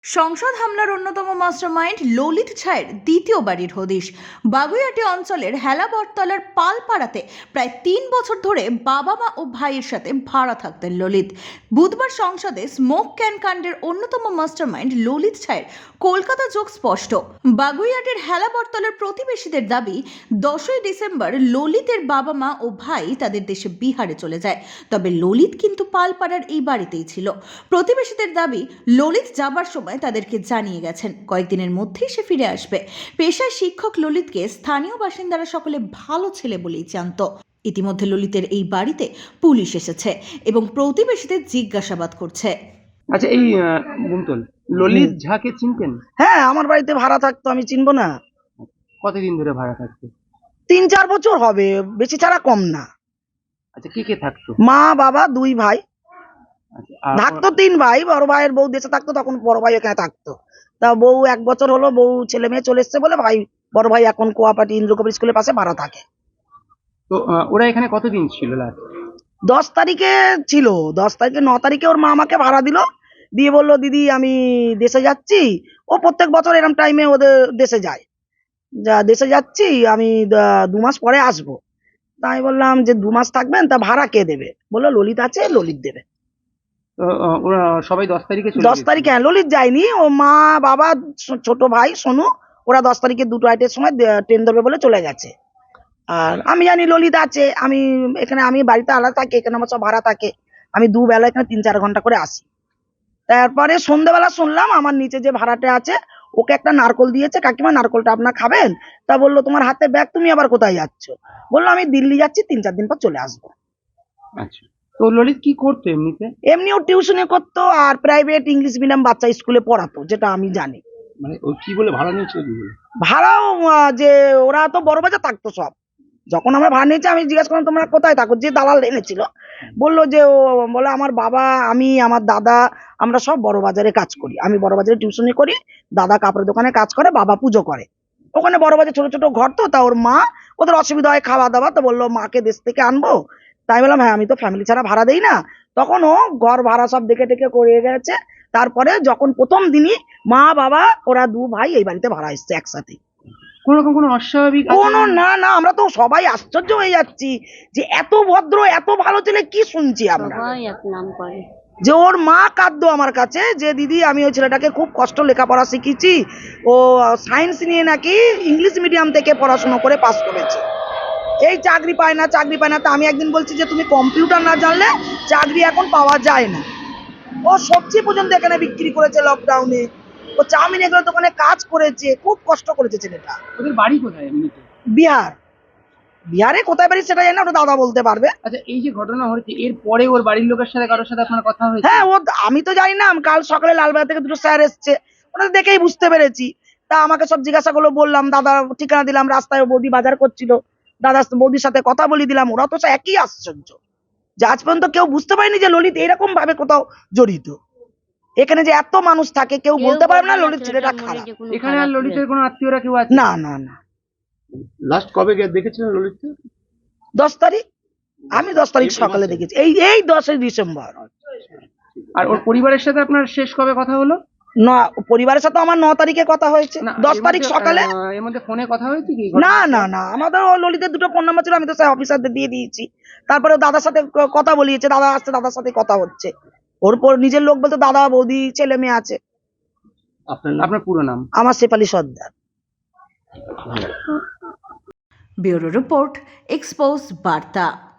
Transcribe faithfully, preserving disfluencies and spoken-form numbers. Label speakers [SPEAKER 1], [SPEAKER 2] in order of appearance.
[SPEAKER 1] সংসদ হামলার অন্যতম মাস্টারমাইন্ড ললিত ছায়ের দ্বিতীয় বাড়ির হদিশ। বাগুইআটি অঞ্চলের হেলাবরতলার পালপাড়াতে প্রায় তিন বছর ধরে বাবা মা ও ভাইয়ের সাথে ভাড়া থাকতেন ললিত। বুধবার সংসদে স্মোক ক্যান কাণ্ডের অন্যতম মাস্টারমাইন্ড ললিত ছায়ের কলকাতা যোগ স্পষ্ট। বাগুইআটির হেলাবরতলার প্রতিবেশীদের দাবি, দশই ডিসেম্বর ললিতের বাবা মা ও ভাই তাদের দেশে বিহারে চলে যায়, তবে ললিত কিন্তু পালপাড়ার এই বাড়িতেই ছিল। প্রতিবেশীদের দাবি, ললিত যাবার সময় তাদেরকে জানিয়ে গেছেন কয়েকদিনের মধ্যেই সে ফিরে আসবে। পেশায় শিক্ষক ললিতকে স্থানীয় বাসিন্দারা সকলে ভালো ছেলে বলেই জানত। ইতিমধ্যে ললিতের এই বাড়িতে পুলিশ এসেছে এবং প্রতিবেশীদের জিজ্ঞাসাবাদ করছে।
[SPEAKER 2] আচ্ছা, এই আহ, বুমতল ললিত ঝাকে চিনতেন?
[SPEAKER 3] হ্যাঁ, আমার বাড়িতে ভাড়া থাকতো, আমি চিনবো না?
[SPEAKER 2] কতদিন ধরে ভাড়া থাকতো?
[SPEAKER 3] তিন চার বছর হবে, বেশি ছাড়া কম না।
[SPEAKER 2] আচ্ছা, কে কে থাকতো?
[SPEAKER 3] মা বাবা দুই ভাই
[SPEAKER 2] আচ্ছা, আর
[SPEAKER 3] থাকতো, তিন ভাই। বড় ভাইয়ের বউ দেশে থাকতো, তখন বড় ভাই এখানে থাকতো। তা বউ এক বছর হলো, বউ ছেলে মেয়ে চলে এসছে বলে ভাই বড় ভাই এখন কোয়াপাটি ইন্দ্রকবি স্কুলের পাশে ভাড়া থাকে।
[SPEAKER 2] তো আহ, ওরা এখানে কতদিন ছিল লাস্ট?
[SPEAKER 3] দশ তারিখে ছিল, দশ তারিখে ন তারিখে ওর মা আমাকে ভাড়া দিল, দিয়ে বললো দিদি আমি দেশে যাচ্ছি। ও প্রত্যেক বছর এরকম টাইমে ওদের দেশে যায়, যা দেশে যাচ্ছি আমি, দা- দু মাস পরে আসবো। তাই বললাম যে দু মাস থাকবেন, তা ভাড়া কে দেবে? বললো ললিত আছে, ললিত দেবে।
[SPEAKER 2] তো আহ, ওরা সবাই দশ তারিখে চলে
[SPEAKER 3] দশ
[SPEAKER 2] গেছিল?
[SPEAKER 3] তারিখে হ্যাঁ, ললিত যায়নি, ও মা বাবা ছো- ছোট ভাই সোনু, ওরা দশ তারিখে দুটো আইটের সময় দে- ট্রেন ধরবে বলে চলে গেছে। আর আমি জানি ললিত আছে, আমি এখানে, আমি বাড়িতে আলাদা থাকি, এখানে আমার সব ভাড়া থাকে। আমি দুবেলা এখানে তিন চার ঘন্টা করে আসি। তারপরে সন্ধ্যেবেলা শুনলাম আমার নিচে যে ভাড়াটে আছে, ওকে একটা নারকল দিয়েছে, কাকিমা নারকলটা আপনার খাবেন? তা বললো তোমার হাতে ব্যাগ, তুমি আবার কোথায় যাচ্ছ? বললো আমি দিল্লি যাচ্ছি, তিন চার দিন পর চলে আসবো।
[SPEAKER 2] আচ্ছা, তো ললিত কি করতো এমনিতে?
[SPEAKER 3] এমনিও টিউশনে করতো, আর প্রাইভেট ইংলিশ মিডিয়াম বাচ্চা স্কুলে পড়াতো, যেটা আমি জানি।
[SPEAKER 2] মানে ও কি বলে ভাড়া নিয়েছিল কি বলে?
[SPEAKER 3] ভাড়াও আহ, যে ওরা তো বড় বাজার থাকতো সব। যখন আমরা ভাড়া নিয়েছি আমি জিজ্ঞেস করলাম তোমরা কোথায় থাকো, যে দালাল এনেছিল বললো যে ও বলে আমার বাবা, আমি, আমার দাদা, আমরা সব বড় বাজারে কাজ করি। আমি বড় বাজারে টিউশনি করি, দাদা কাপড়ের দোকানে কাজ করে, বাবা পুজো করে। ওখানে বড় বাজার ছোট ছোট ঘর, তো তা ওর মা, ওদের অসুবিধা হয় খাওয়া দাওয়া, তো বললো মাকে দেশ থেকে আনবো। তাই বললাম হ্যাঁ, আমি তো ফ্যামিলি ছাড়া ভাড়া দেই না। তখন ও ঘর ভাড়া সব দেখে টেকে করে গেছে। তারপরে যখন প্রথম দিনই মা বাবা ওরা দু ভাই এই বাড়িতে ভাড়া এসছে একসাথে।
[SPEAKER 2] কোন রকম কোনো অস্বাভাবিক
[SPEAKER 3] কোনো
[SPEAKER 2] আচরণ?
[SPEAKER 3] না না, আমরা তো সবাই আশ্চর্য হয়ে যাচ্ছি যে এত ভদ্র এত ভালো ছেলে, কি শুনছি আমরা।
[SPEAKER 4] সবাই এক নাম করে।
[SPEAKER 3] যে ওর মা কাঁদতো আমার কাছে যে দিদি আমি ওই ছেলেটাকে খুব কষ্ট লেখাপড়া শিখিয়েছি, ও সায়েন্স নিয়ে নাকি ইংলিশ মিডিয়াম থেকে পড়াশোনা করে পাস করেছে, এই চাকরি পায় না চাকরি পায় না। তা আমি একদিন বলছি যে তুমি কম্পিউটার না জানলে চাকরি এখন পাওয়া যায় না। ও সবজি পর্যন্ত এখানে বিক্রি করেছে লকডাউনে, ও চাউমিন এগুলো দোকানে কাজ করেছে, খুব কষ্ট করেছে ছেলেটা।
[SPEAKER 2] ওদের বাড়ি কোথায় এমনিতে?
[SPEAKER 3] বিহার, বিহারে কোথায় বাড়ি সেটা জানি না, ওটা দাদা বলতে পারবে।
[SPEAKER 2] আচ্ছা, এই যে ঘটনা হয়েছে এর পরে ওর বাড়ির লোকের সাথে কারোর সাথে আপনার কথা হয়েছে?
[SPEAKER 3] হ্যাঁ, ও আমি তো জানি না, কাল সকালে লালবাজার থেকে দুটো স্যার এসছে, ওনাদের দেখেই বুঝতে পেরেছি। তা আমাকে সব জিজ্ঞাসা করলো, বললাম দাদা ঠিকানা দিলাম, রাস্তায় বৌদি বাজার করছিল, দাদা বৌদির সাথে কথা বলি দিলাম। ওরা তো সব একই আশ্চর্য যে আজ পর্যন্ত কেউ বুঝতে পারেনি যে ললিত এরকম ভাবে কোথাও জড়িত। এখানে যে এত মানুষ থাকে, কেউ বলতে পারবে না ললিত ছেলেটা খারাপ।
[SPEAKER 2] এখানে আর ললিতের কোনো আত্মীয়রা কেউ আছে?
[SPEAKER 3] না না না।
[SPEAKER 2] লাস্ট কবে দেখেছিলেন ললিতকে?
[SPEAKER 3] দশ তারিখ, আমি দশ তারিখ সকালে দেখেছি, এই এই দশই ডিসেম্বর।
[SPEAKER 2] আর ওর পরিবারের সাথে আপনার শেষ কবে কথা হলো?
[SPEAKER 3] না, পরিবারের সাথে আমার ন তারিখে কথা হয়েছে,
[SPEAKER 2] না,
[SPEAKER 3] দশ
[SPEAKER 2] এর
[SPEAKER 3] তারিখ
[SPEAKER 2] মধ্যে,
[SPEAKER 3] সকালে।
[SPEAKER 2] আহ, এর মধ্যে ফোনে কথা হয়েছে কি?
[SPEAKER 3] না না না, আমাদের ও ললিতের দুটো ফোন নাম্বার ছিল, আমি তো স্যার অফিসারদের দিয়ে দিয়েছি। তারপরে ও দাদার সাথে ক- কথা বলিয়েছে, দাদা আসছে, দাদার সাথে কথা হচ্ছে। ওর পর নিজের লোক বলতে দাদা বৌদি ছেলে মেয়ে আছে।
[SPEAKER 2] আপনার আপনার পুরো নাম?
[SPEAKER 3] আমার Shefali Sardar.
[SPEAKER 1] Bureau report, Expose বার্তা।